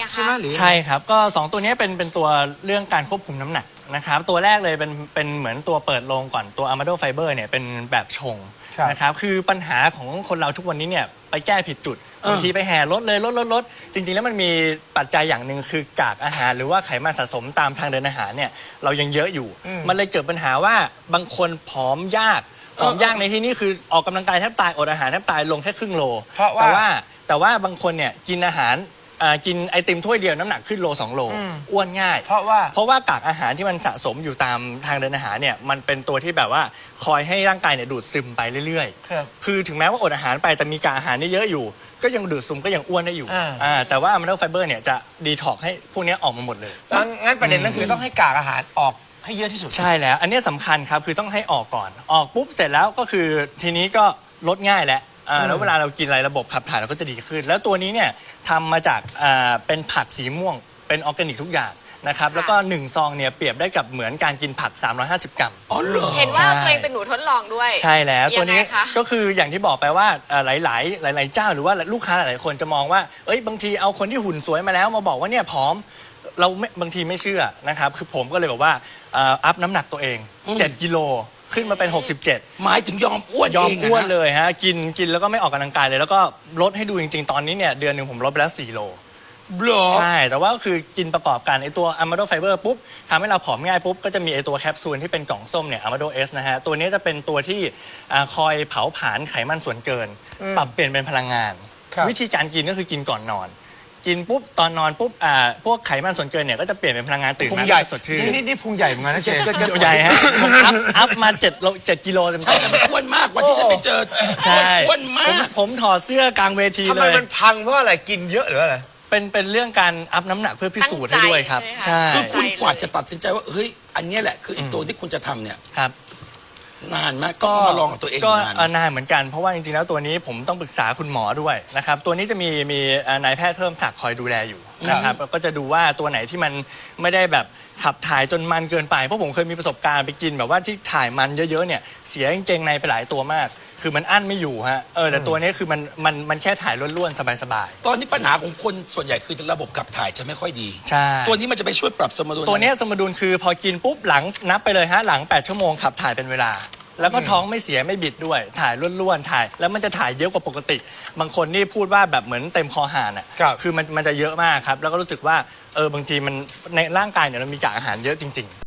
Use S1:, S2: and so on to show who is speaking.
S1: ใช่ไหมหรือ
S2: ใช่ครับก็2ตัวนี้เป็นตัวเรื่องการควบคุมน้ำหนักนะครับตัวแรกเลยเป็นเหมือนตัวเปิดโลงก่อนตัว Amado Fiber เนี่ยเป็นแบบชงนะครับคือปัญหาของคนเราทุกวันนี้เนี่ยไปแก้ผิดจุดบางทีไปแห่ลดเลยลดจริงๆแล้วมันมีปัจจัยอย่างหนึ่งคือกากอาหารหรือว่าไขมันสะสมตามทางเดินอาหารเนี่ยเรายังเยอะอยู่มันเลยเกิดปัญหาว่าบางคนผอมยากในที่นี้คือออกกำลังกายแทบตายอดอาหารแทบตายลงแค่ครึ่งโลแต่ว่าบางคนเนี่ยกินอาหารกินไอติมถ้วยเดียวน้ำหนักขึ้นโล2 โลอ้วนง่ายเพราะว่ากากอาหารที่มันสะสมอยู่ตามทางเดินอาหารเนี่ยมันเป็นตัวที่แบบว่าคอยให้ร่างกายเนี่ยดูดซึมไปเรื่อยๆคือถึงแม้ว่าอดอาหารไปแต่มีกากอาหารนี่เยอะอยู่ก็ยังดูดซึมก็ยังอ้วนได้อยู่แต่ว่า Amado Fiber เนี่ยจะดีท็อกให้พวกนี้ออกมาหมดเลย
S1: งั้นประเด็นนั่นคือต้องให้กากอาหารออกให้เยอะที่สุด
S2: ใช่แล้วอันนี้สำคัญครับคือต้องให้ออกก่อนออกปุ๊บเสร็จแล้วก็คือทีนี้ก็ลดง่ายแล้วเวลาเรากินอะไรระบบขับถ่ายเราก็จะดีขึ้นแล้วตัวนี้เนี่ยทำมาจากเป็นผักสีม่วงเป็นออร์แกนิกทุกอย่างนะครับแล้วก็1 ซองเนี่ยเปรียบได้กับเหมือนการกินผัก350 กรัม
S3: อ๋อเหรอเห็นว่าตัวเองเป็นหนูทดลองด้วย
S2: ใช่แล้วตัวนี้ก็คืออย่างที่บอกไปว่าหลายเจ้าหรือว่าลูกค้าหลายคนจะมองว่าบางทีเอาคนที่หุ่นสวยมาแล้วมาบอกว่าเนี่ยผอมเราบางทีไม่เชื่อนะครับคือผมก็เลยบอกว่าอัพน้ำหนักตัวเอง7 กิโลขึ้นมาเป็น67
S4: หมายถึงยอมอ้วน
S2: เลยฮะกินแล้วก็ไม่ออกกำลังกายเลยแล้วก็ลดให้ดูจริงๆตอนนี้เนี่ยเดือนหนึ่งผมลดไปแล้ว4 โลใช่แต่ว่าคือกินประกอบกันไอตัว Amado Fiber ปุ๊บทำให้เราผอมง่ายปุ๊บก็จะมีไอตัวแคปซูลที่เป็นกล่องส้มเนี่ย Amado S นะฮะตัวนี้จะเป็นตัวที่คอยเผาผลาญไขมันส่วนเกินปรับเปลี่ยนเป็นพลังงานวิธีการกินก็คือกินก่อนนอนกินปุ๊บตอนนอนปุ๊บพวกไขมันส่วนเกินเนี่ยก็จะเปลี่ยนเป็นพลังงานตื่นมาสดชื่น
S1: นี่พุงใหญ่เหมือนกันนะเชฟ
S2: ใหญ่ฮะผมอัพมา7 กิโลเต็มๆ
S4: ใช่แต่มันอ้วนมากวันที่ฉันไปเจออ้วนมาก
S2: ผมถอดเสื้อกลางเวทีเลยทำไม
S1: มันพังเพราะอะไรกินเยอะหรืออะไร
S2: เป็นเรื่องการอัพน้ำหนักเพื่อพิสูจน์ให้ด้วยครับใช่
S4: คือคุณกว่าจะตัดสินใจว่าเฮ้ยอันนี้แหละคืออีกตัวที่คุณจะทำเนี่ย
S2: ครับ
S4: นานมากก็มาลองกับตัวเอง
S2: นานเหมือนกันเพราะว่าจริงๆแล้วตัวนี้ผมต้องปรึกษาคุณหมอด้วยนะครับตัวนี้จะมีนายแพทย์เพิ่มศักดิ์คอยดูแลอยู่นะครับก็จะดูว่าตัวไหนที่มันไม่ได้แบบขับถ่ายจนมันเกินไปเพราะผมเคยมีประสบการณ์ไปกินแบบว่าที่ถ่ายมันเยอะๆเนี่ยเสียกางเกงในไปหลายตัวมากคือมันอั้นไม่อยู่ฮะแต่ตัวนี้คือมันแค่ถ่ายล้วนๆสบาย
S4: ๆตอนนี้ปัญหาของคนส่วนใหญ่คือระบบขับถ่ายจะไม่ค่อยดี
S2: ใช่
S4: ตัวนี้มันจะไปช่วยปรับสมดุล
S2: ตัวนี้สมดุลคือพอกินปุ๊บหลังนับไปเลยฮะหลัง8 ชั่วโมงขับถ่ายเป็นเวลาแล้วก็ท้องไม่เสียไม่บิดด้วยถ่ายล้วนๆถ่ายแล้วมันจะถ่ายเยอะกว่าปกติบางคนนี่พูดว่าแบบเหมือนเต็มคอหานอ่ะคือมันจะเยอะมากครับแล้วก็รู้สึกว่าบางทีมันในร่างกายเนี่ยเรามีกากอาหารเยอะจริงๆ